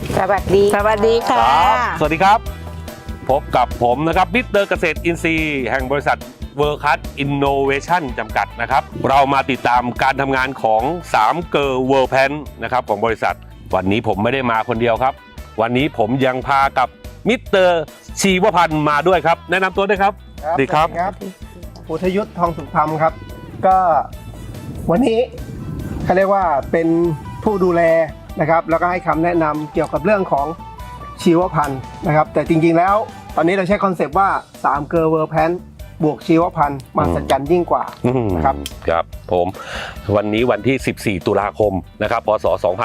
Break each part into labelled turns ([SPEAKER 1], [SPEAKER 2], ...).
[SPEAKER 1] สวัสดีค่ะ
[SPEAKER 2] สวัสดีครับพบกับผมนะครับมิสเตอร์เกษตรอินทรีย์แห่งบริษัทเวิร์คัสอินโนเวชั่นจำกัดนะครับเรามาติดตามการทำงานของ3เกอร์เวิร์แพนนะครับของบริษัทวันนี้ผมไม่ได้มาคนเดียวครับวันนี้ผมยังพากับมิสเตอร์ชีวพันธ์มาด้วยครับแนะนำตัวด้วยครับสวัสดีครับ
[SPEAKER 3] พุทธยุทธทองสุขธรรมครับก็วันนี้เขาเรียกว่าเป็นผู้ดูแลนะครับแล้วก็ให้คำแนะนำเกี่ยวกับเรื่องของชีวพันธุ์นะครับแต่จริงๆแล้วตอนนี้เราใช้คอนเซปต์ว่า3เกอร์เวิร์แพนบวกชีวพันธุ์มหัศจรรย์ยิ่งกว่านะครับ
[SPEAKER 2] ครับผมวันนี้วันที่14ตุลาคมนะครับพศ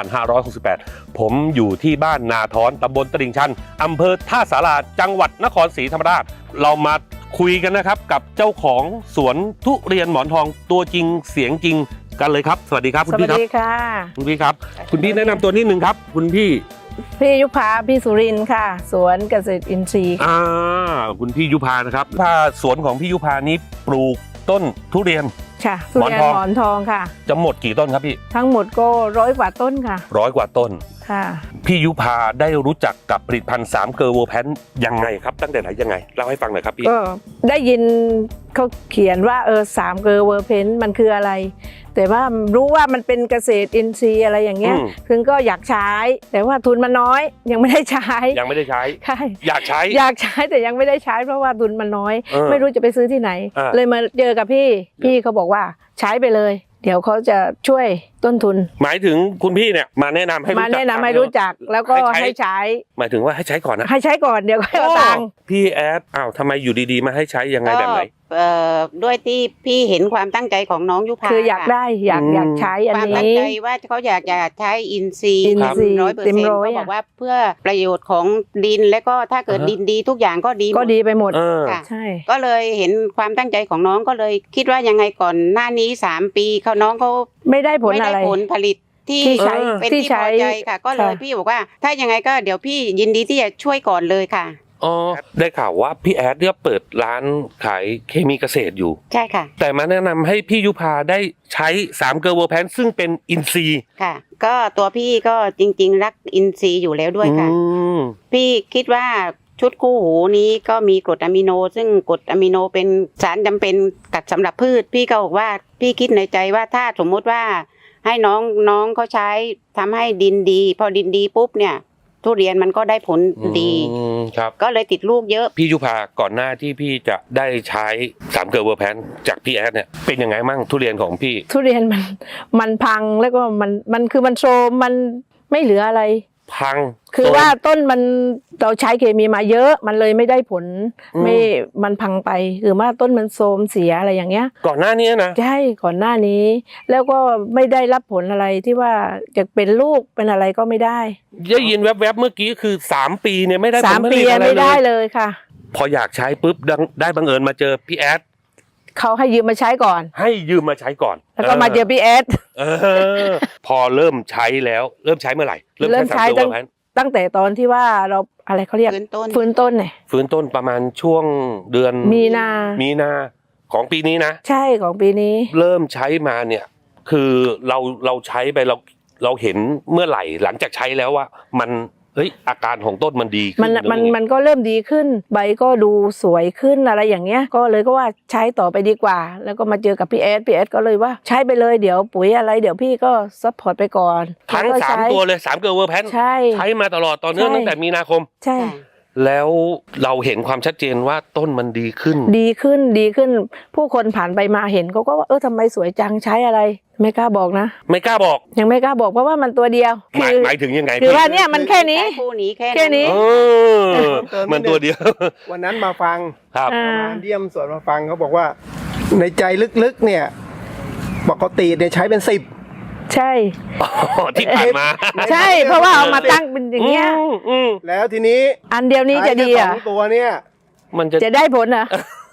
[SPEAKER 2] 2568ผมอยู่ที่บ้านนาท้อนตำบลตลิ่งชันอำเภอท่าสาราจังหวัดนครศรีธรรมราชเรามาคุยกันนะครับกับเจ้าของสวนทุเรียนหมอนทองตัวจริงเสียงจริงกันเลยครับสวัสดีครับคุณพี่ครับ
[SPEAKER 1] สวัสดีค่ะ
[SPEAKER 2] คุณพี่ครับคุณพี่แนะนำตัวนิดนึงครับคุณพี่
[SPEAKER 1] ยุพาพี่สุรินทร์ค่ะสวนเกษตรอินทรีย์
[SPEAKER 2] คุณพี่ยุพานะครับถ้าสวนของพี่ยุพานี้ปลูกต้นทุเรียน
[SPEAKER 1] ค่ะทุเรียนหมอนทองค่ะ
[SPEAKER 2] จะหมดกี่ต้นครับพี่
[SPEAKER 1] ทั้งหมดก็100 กว่าต้นค่ะ
[SPEAKER 2] 100 กว่าต้น
[SPEAKER 1] ค่ะ
[SPEAKER 2] พี่ยุพาได้รู้จักกับผลิตภัณฑ์3เกอร์เวิร์แพนยังไงครับตั้งแต่ไหนยังไงเล่าให้ฟังหน่อยครับพี่
[SPEAKER 1] ก็ได้ยินเขาเขียนว่า3เกอร์เวิร์แพนมันคืออะไรแต่ว่ารู้ว่ามันเป็นเกษตรอินทรีย์อะไรอย่างเงี้ยถึงก็อยากใช้แต่ว่าทุนมันน้อยยังไม่ได้ใช้ใช่
[SPEAKER 2] อยากใช้
[SPEAKER 1] แต่ยังไม่ได้ใช้เพราะว่าทุนมันน้อยไม่รู้จะไปซื้อที่ไหนเลยมาเจอกับพี่เขาบอกว่าใช้ไปเลยเดี๋ยวเขาจะช่วยต้นทุน
[SPEAKER 2] หมายถึงคุณพี่เนี่ยมาแนะนำให้
[SPEAKER 1] รู้จักแล้วก็ให้ใช้
[SPEAKER 2] หมายถึงว่าให้ใช้ก่อนนะ
[SPEAKER 1] ให้ใช้ก่อนเดี๋ยวก็เอาตังค์
[SPEAKER 2] พี่แอดทำไมอยู่ดีๆมาให้ใช้ยังไงแบบไหน
[SPEAKER 4] ด้วยที่พี่เห็นความตั้งใจของน้องยุพา
[SPEAKER 1] คืออยากได้อยากใช้อันนี้
[SPEAKER 4] ความตั้งใจว่าเขาอยากใช้อินทรีย์100%ก็บอกว่าเพื่อประโยชน์ของดินและก็ถ้าเกิดดินดีทุกอย่างก็
[SPEAKER 1] ดีไปหมด
[SPEAKER 4] ค่ะใช่ก็เลยเห็นความตั้งใจของน้องก็เลยคิดว่ายังไงก่อนหน้านี้3 ปีเขาน้องเขา
[SPEAKER 1] ไม่ได้ผลผ
[SPEAKER 4] ลิตที่ใช้เป็นที่พอใจค่ะก็เลยพี่บอกว่าถ้ายังไงก็เดี๋ยวพี่ยินดีที่จะช่วยก่อนเลยค่ะ
[SPEAKER 2] ได้ข่าวว่าพี่แอดเนี่ยเปิดร้านขายเคมีเกษตรอยู่
[SPEAKER 4] ใช่ค่ะ
[SPEAKER 2] แต่มาแนะนำให้พี่ยุพาได้ใช้3เกอร์เวิร์แพนซึ่งเป็นอินทรีย์
[SPEAKER 4] ค่ะก็ตัวพี่ก็จริงๆรักอินทรีย์อยู่แล้วด้วยค่ะพี่คิดว่าชุดคู่หูนี้ก็มีกรดอะมิโนซึ่งกรดอะมิโนเป็นสารจำเป็นกัดสำหรับพืชพี่ก็บอกว่าพี่คิดในใจว่าถ้าสมมติว่าให้น้องเขาใช้ทำให้ดินดีพอดินดีปุ๊บเนี่ยทุเรียนมันก็ได้ผลดี
[SPEAKER 2] ครับ
[SPEAKER 4] ก็เลยติดลูกเยอะ
[SPEAKER 2] พี่ยุพาก่อนหน้าที่พี่จะได้ใช้3เกอร์เวิร์แพนจากพี่แอดเนี่ยเป็นยังไงมั่งทุเรียนของพี่
[SPEAKER 1] ทุเรียนมันพังแล้วก็มันคือมันโทรมมันไม่เหลืออะไร
[SPEAKER 2] พัง
[SPEAKER 1] คือว่าต้นเราใช้เคมีมาเยอะมันเลยไม่ได้ผลมันพังไปคือว่าต้นมันโทรมเสียอะไรอย่างเงี้ย
[SPEAKER 2] ก่อนหน้านี้นะ
[SPEAKER 1] ใช่ก่อนหน้านี้แล้วก็ไม่ได้รับผลอะไรที่ว่าจะเป็นลูกเป็นอะไรก็ไม่ได้
[SPEAKER 2] ยินแวบๆเมื่อกี้คือ3 ปีเนี่ยไม่ได้
[SPEAKER 1] ผล3 ปีไม่ได้เลยค่ะ
[SPEAKER 2] พออยากใช้ปุ๊บได้บังเอิญมาเจอพี่แอด
[SPEAKER 1] เขาให้ยืมมาใช้ก่อน
[SPEAKER 2] แล้ว
[SPEAKER 1] ก็มาเจอพี่แอด
[SPEAKER 2] พอเริ่มใช้แล้วเริ่มใช้เมื่อไหร่
[SPEAKER 1] เริ่มใช้ตั้งแต่ตอนที่ว่าเราอะไรเขาเรียกฟื้นต้นเนี่ย
[SPEAKER 2] ฟื้นต้นประมาณช่วงเดือน
[SPEAKER 1] มีนา
[SPEAKER 2] ของปีนี้นะ
[SPEAKER 1] ใช่ของปีนี้
[SPEAKER 2] เริ่มใช้มาเนี่ยคือเราใช้ไปเราเห็นเมื่อไหร่หลังจากใช้แล้วว่ามันอาการของต้นมันดีขึ้น
[SPEAKER 1] มันก็เริ่มดีขึ้นใบก็ดูสวยขึ้นอะไรอย่างเงี้ยก็เลยก็ว่าใช้ต่อไปดีกว่าแล้วก็มาเจอกับพี่แอดก็เลยว่าใช้ไปเลยเดี๋ยวปุ๋ยอะไรเดี๋ยวพี่ก็ซัพพอร์ตไปก่อน
[SPEAKER 2] ทั้ง3ตัวเลย3เกอร์เวิร์แพนใช้มาตลอดต่อเนื่องตั้งแต่มีนาคม
[SPEAKER 1] ใช่
[SPEAKER 2] แล้วเราเห็นความชัดเจนว่าต้นมันดีขึ้น
[SPEAKER 1] ผู้คนผ่านไปมาเห็นเขาก็ว่าทำไมสวยจังใช้อะไรไม่กล้าบอกนะ
[SPEAKER 2] ไม่กล้าบอก
[SPEAKER 1] ยังไม่กล้าบอกเพราะว่ามันตัวเดียว
[SPEAKER 2] หมายถึงยังไง
[SPEAKER 1] คือว่าเนี่ยมันแค่นี้แค่นี้
[SPEAKER 2] มันตัวเดียว
[SPEAKER 3] วันนั้นมาฟังมาเยี่ยมสวนมาฟังเขาบอกว่าในใจลึกๆเนี่ยปกติเนี่ยใช้เป็น10
[SPEAKER 1] ใช่
[SPEAKER 2] ที่ผ่านมา
[SPEAKER 1] ใช่เพราะว่าเอามาตั้งเป็นอย่างเงี้ย
[SPEAKER 3] แล้วทีนี้
[SPEAKER 1] อันเดียวนี้จะดีอ่ะ
[SPEAKER 3] ตัวเนี่ย
[SPEAKER 2] มัน
[SPEAKER 1] จะได้ผลอ่ะ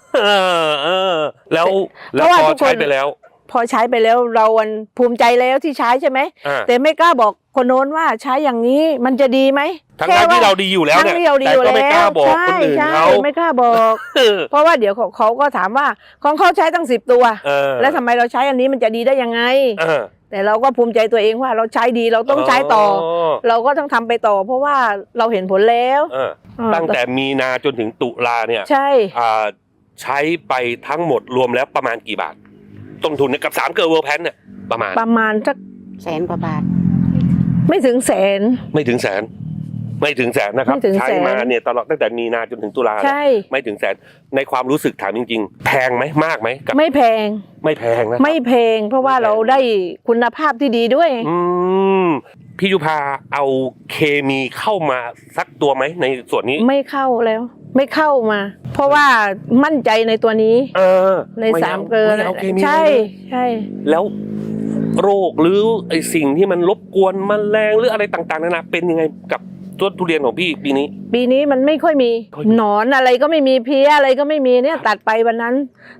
[SPEAKER 2] แล้วพอใช้ไปแล้ว
[SPEAKER 1] เราภูมิใจแล้วที่ใช้ใช่ไหมแต่ไม่กล้าบอกคนโน้นว่าใช้อย่างนี้มันจะดีไหม
[SPEAKER 2] ทั้งที่เราดีอยู่แล้วเนี่ยแต่ก็ไม่กล้าบอกคนอื่นเขา
[SPEAKER 1] ไม่กล้าบอกเพราะว่าเดี๋ยวเขาก็ถามว่าของเขาใช้ตั้ง10 ตัวแล้วทำไมเราใช้อันนี้มันจะดีได้ยังไงแต่เราก็ภูมิใจตัวเองว่าเราใช้ดีเราต้องใช้ต่อ เราก็ต้องทำไปต่อ เพราะว่าเราเห็นผลแล้ว
[SPEAKER 2] ตั้งแต่มีนาจนถึงตุลาเนี่ย
[SPEAKER 1] ใช่
[SPEAKER 2] ใช้ไปทั้งหมดรวมแล้วประมาณกี่บาทต้นทุนเนี่ยกับ3 เกอร์เวิร์แพนเนี่ยประมาณ
[SPEAKER 1] สัก
[SPEAKER 4] 100,000 กว่าบาท
[SPEAKER 1] ไม่ถึงแสน
[SPEAKER 2] ไม่ถึงแสนนะครับ
[SPEAKER 1] ไม่ถึงแสน
[SPEAKER 2] ใช้มาเนี่ยตลอดตั้งแต่มีนาจนถึงตุลา
[SPEAKER 1] ใช่
[SPEAKER 2] ไม่ถึงแสนในความรู้สึกถามจริงๆ แพงไหมมากไหมกับ
[SPEAKER 1] ไม่แพง
[SPEAKER 2] ไม่แพงนะ
[SPEAKER 1] ไม่แพง เพราะว่า
[SPEAKER 2] ไม่แพง
[SPEAKER 1] เราได้คุณภาพที่ดีด้วย
[SPEAKER 2] พี่ยุพาเอาเคมีเข้ามาสักตัวไหมในส่วนนี้
[SPEAKER 1] ไม่เข้าแล้ว ไม่เข้ามา เพราะว่ามั่นใจในตัวนี้ ใน
[SPEAKER 2] ไม่
[SPEAKER 1] 3 เกลือ
[SPEAKER 2] ไม่เอาเคมี
[SPEAKER 1] ใช่
[SPEAKER 2] เลย
[SPEAKER 1] ใช่
[SPEAKER 2] แล้วโรคหรือไอสิ่งที่มันรบกวนแมลงหรืออะไรต่างๆนานาเป็นยังไงกับต้นทุเรียนของพี่ปีนี้
[SPEAKER 1] ปีนี้มันไม่ค่อยมี
[SPEAKER 2] ค่อยมี
[SPEAKER 1] หนอนอะไรก็ไม่มีเพี้ยอะไรก็ไม่มีเนี่ยตัดไปวันนั้น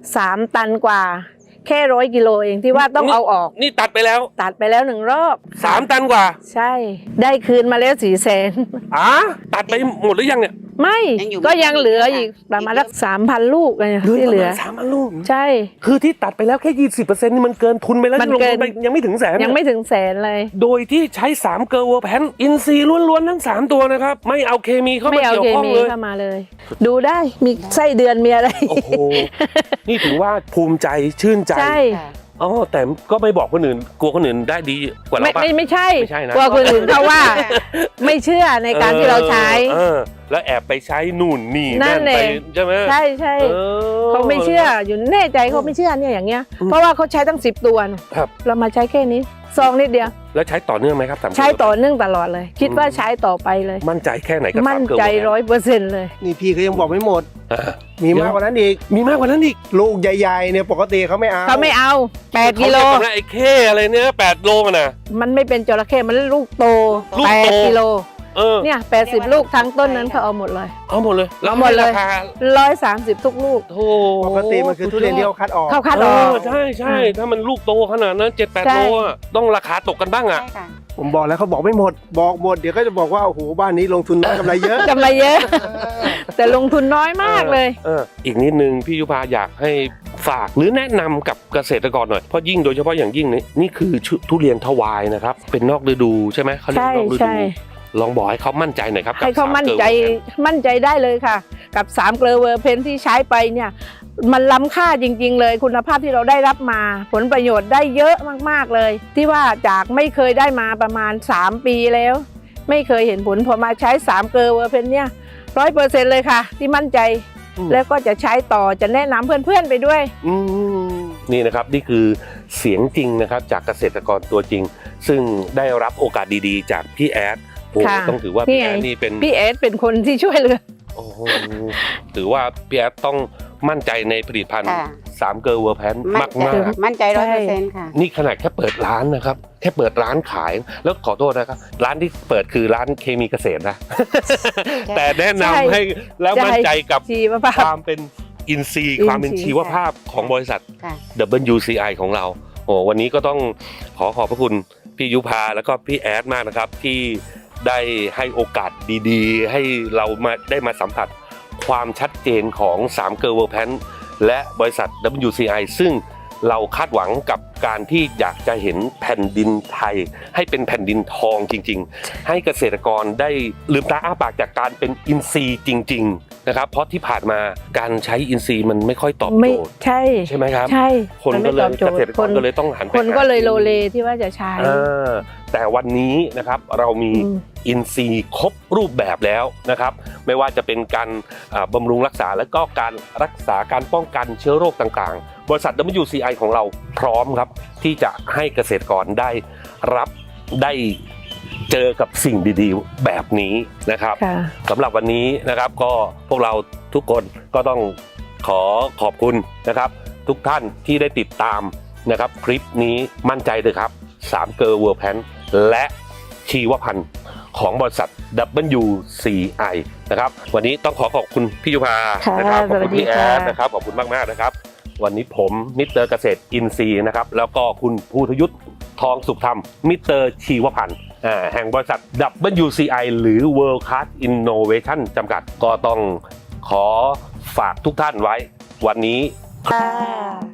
[SPEAKER 1] 3 ตันกว่า แค่100 กิโลเองที่ว่าต้องเอาออก
[SPEAKER 2] นี่ตัดไปแล้ว
[SPEAKER 1] ตัดไปแล้ว1 รอบ
[SPEAKER 2] 3 ตันกว่า
[SPEAKER 1] ใช่ ได้คืนมาแล้ว
[SPEAKER 2] ตัดไปหมดหรือยังเนี่ย
[SPEAKER 1] ไม่
[SPEAKER 4] ยังอยู่
[SPEAKER 1] ก็ยังเหลืออีกประมาณสัก3,000 ลูกอะไรที่เหลือ
[SPEAKER 2] 3,000 ลูก
[SPEAKER 1] ใช่
[SPEAKER 2] คือที่ตัดไปแล้วแค่ 20%นี่มันเกินทุนไปแล้ว
[SPEAKER 1] มัน
[SPEAKER 2] ที่ลง
[SPEAKER 1] เกิ
[SPEAKER 2] ทุ
[SPEAKER 1] น
[SPEAKER 2] นไปยังไม่ถึงแสน
[SPEAKER 1] ยังไม่ถึงแสนเลย
[SPEAKER 2] โดยที่ใช้3 เกอร์เวิร์แพนอินซีย์ล้วนๆทั้ง3 ตัวนะครับไม่เอาเคมีเข้า
[SPEAKER 1] ไม่
[SPEAKER 2] มา
[SPEAKER 1] เอา
[SPEAKER 2] เกี่ยว
[SPEAKER 1] เค
[SPEAKER 2] ข้อง
[SPEAKER 1] มี
[SPEAKER 2] เลย
[SPEAKER 1] เข้ามาเลย ดูได้มีไส้เดือนมีอะไร
[SPEAKER 2] โอ้โหนี่ถือว่าภูมิใจชื่นใจ
[SPEAKER 1] ใช่
[SPEAKER 2] อ๋อแต่ก็ไม่บอกคนอื่นกลัวคนอื่นได้ดีกว่าเราปะ
[SPEAKER 1] ไม่ใช่
[SPEAKER 2] ไม่ใช่นะ
[SPEAKER 1] กลัวคนอื่นเขาว่า ไม่เชื่อในการที่เราใช้
[SPEAKER 2] แล้วแอบไปใช้นู่นนี่
[SPEAKER 1] นั่น
[SPEAKER 2] ไป
[SPEAKER 1] เอง
[SPEAKER 2] ใช่ไหม
[SPEAKER 1] ใช่ใช่ เขาไม่เชื่ออยู่แน่ใจเขาไม่เชื่อเนี่ยอย่างเงี้ย เพราะว่าเขาใช้ตั้ง10 ตัวนะครับ เรามาใช้แค่นี้ซองนิดเดียว
[SPEAKER 2] แล้วใช้ต่อเนื่องไหมครับ3
[SPEAKER 1] ใช้ต่อเนื่องตลอดเลย คิดว่าใช้ต่อไปเลย
[SPEAKER 2] มั่นใจแค่ไหนกับ
[SPEAKER 1] มั่น
[SPEAKER 2] 3 เกอร์
[SPEAKER 1] ใจ
[SPEAKER 2] เวิร์แพน
[SPEAKER 1] 100%เลย
[SPEAKER 3] นี่พี่ก็ยังบอกไม่หมด
[SPEAKER 2] อ่า
[SPEAKER 3] มีมากกว่านั้นอีก
[SPEAKER 2] มีมากกว่านั้นอีก
[SPEAKER 3] ลูกใหญ่ๆเนี่ยปกติเขาไม่เอา
[SPEAKER 1] เขาไม่เอา8 กิโล
[SPEAKER 2] เขาเรียกันนะไอ้เข้อะไรเนี่ย8 โลกันนะ
[SPEAKER 1] มันไม่เป็นจระเข้มันลูกโต
[SPEAKER 2] ลูกโต
[SPEAKER 1] 8 กิโล
[SPEAKER 2] เนี่ย
[SPEAKER 1] 80 ลูกทั้งต้นนั้นเขาเอาหมดเลย
[SPEAKER 2] เอาหมดเลยแล้ว
[SPEAKER 1] หมดเลย
[SPEAKER 2] ราคา
[SPEAKER 1] 130 ทุกลูก
[SPEAKER 2] โธ่
[SPEAKER 3] ปกติมันคือทุเรียนที่เขาคัดออก
[SPEAKER 1] เขาคัดออก
[SPEAKER 2] ใช่ใช่ถ้ามันลูกโตขนาดนั้น 7-8
[SPEAKER 1] ใช่
[SPEAKER 2] โลอะต้องราคาตกกันบ้างอ่ะ
[SPEAKER 4] ใช่ค่ะ
[SPEAKER 3] ผมบอกแล้วเขาบอกไม่หมด บอกหมดเดี๋ยวก็จะบอกว่าโอ้โหบ้านนี้ลงทุนน้อยกำไรเยอะ
[SPEAKER 1] กำไรเยอะ แต่ลงทุนน้อยมากเลย
[SPEAKER 2] อีกนิดนึงพี่ยุพาอยากให้ฝากหรือแนะนำกับเกษตรกรหน่อยเพราะยิ่งโดยเฉพาะอย่างยิ่งนี่คือทุเรียนทวายนะครับเป็นนอกฤดูใช่ไหมเขาเรียก
[SPEAKER 1] ใช่
[SPEAKER 2] นอกฤ
[SPEAKER 1] ใช่
[SPEAKER 2] ดูลองบอกให้เขามั่นใจหน่อยครับกับ
[SPEAKER 1] ให้เขา
[SPEAKER 2] 3
[SPEAKER 1] มั่นใจ
[SPEAKER 2] เกอร์เวิร์แพน
[SPEAKER 1] มั่นใจได้เลยค่ะ กับ3 เกลอเวอร์เพนที่ใช้ไปเนี่ย มันล้ำค่าจริง ๆ เลย คุณภาพที่เราได้รับมา ผลประโยชน์ได้เยอะมากๆเลย ที่ว่าจากไม่เคยได้มาประมาณ3 ปีแล้ว ไม่เคยเห็นผลพอมาใช้3 เกลอเวอร์เพนเนี่ย100%เลยค่ะ ที่มั่นใจ แล้วก็จะใช้ต่อจะแนะนำเพื่อนๆไปด้วย
[SPEAKER 2] นี่นะครับนี่คือเสียงจริงนะครับจากเกษตรกรตัวจริง ซึ่งได้รับโอกาสดีๆ จากพี่แอดโอ้
[SPEAKER 1] ค่ะ
[SPEAKER 2] ต้องถือว่าพี่แอดนี่เป็น
[SPEAKER 1] พี่เอสเป็นคนที่ช่วยเหลือ
[SPEAKER 2] โอ้โหถือว่าพี่แอดต้องมั่นใจในผลิตภัณฑ์
[SPEAKER 4] ค่ะ
[SPEAKER 2] 3 เกอร์เวิร์แพน
[SPEAKER 4] มั่นใจ
[SPEAKER 2] มาก
[SPEAKER 4] มั่นใจ
[SPEAKER 1] ใช่
[SPEAKER 4] 100%ค่ะ
[SPEAKER 2] ๆนี่ขนาดแค่เปิดร้านนะครับแค่เปิดร้านขายแล้วขอโทษนะครับร้านที่เปิดคือร้านเคมีเกษตรนะ แต่แนะนำให้แล้วมั่นใจกับ
[SPEAKER 1] ชีวภา
[SPEAKER 2] ค
[SPEAKER 1] พ
[SPEAKER 2] วามเป็นอินทรีย์ความเป็นชีวภาพของบริษัท
[SPEAKER 4] ค่ะ
[SPEAKER 2] WCI ของเราโอ้วันนี้ก็ต้องขอบพระคุณพี่ยุพาแล้วก็พี่แอดมากนะครับที่ได้ให้โอกาสดีๆ ให้เราได้มาสัมผัสความชัดเจนของ3 เกอร์เวิร์แพนและบริษัท WCI ซึ่งเราคาดหวังกับการที่อยากจะเห็นแผ่นดินไทย ให้เป็นแผ่นดินทองจริงๆ ให้เกษตรกรได้ลืมตาอ้าปากจากการเป็นอินทรีย์จริงๆนะครับเพราะที่ผ่านมาการใช้อินทรีย์มันไม่ค่อยตอบ
[SPEAKER 1] ไม่
[SPEAKER 2] โจทย์
[SPEAKER 1] ใช่
[SPEAKER 2] ใช่ไหมครับ
[SPEAKER 1] ใช่
[SPEAKER 2] คน
[SPEAKER 1] มั
[SPEAKER 2] ก็
[SPEAKER 1] ไม่
[SPEAKER 2] เล
[SPEAKER 1] ตอย บโจ
[SPEAKER 2] เก
[SPEAKER 1] ท
[SPEAKER 2] ษ
[SPEAKER 1] ย์
[SPEAKER 2] ตรกรก็เลยต้องหันไป
[SPEAKER 1] คนก็เลยโลเลที่ว่าจะใช้
[SPEAKER 2] แต่วันนี้นะครับเรามี อินทรีย์ครบรูปแบบแล้วนะครับไม่ว่าจะเป็นการบำรุงรักษาและก็การรักษาการป้องกันเชื้อโรคต่างๆบริษัท WCI ของเราพร้อมครับที่จะให้เกษตรกรได้รับได้เจอกับสิ่งดีๆแบบนี้นะครับสำหรับวันนี้นะครับก็พวกเราทุกคนก็ต้องขอบคุณนะครับทุกท่านที่ได้ติดตามนะครับคลิปนี้มั่นใจเลยครับ3 เกอร์เวิร์แพนและชีวพันธุ์ของบริษัท WCI นะครับวันนี้ต้องขอบคุณพี่ยุพานะครับขอบคุณพี่แอดนะครับขอบคุณมากๆนะครับวันนี้ผมมิสเตอร์เกษตรอินทรีย์นะครับแล้วก็คุณภูทยุทธทองสุขธรรมมิสเตอร์ชีวพันธุ์แห่งบริษัท WCI หรือ World Class Innovation จำกัดก็ต้องขอฝากทุกท่านไว้วันนี้
[SPEAKER 1] ค่ะ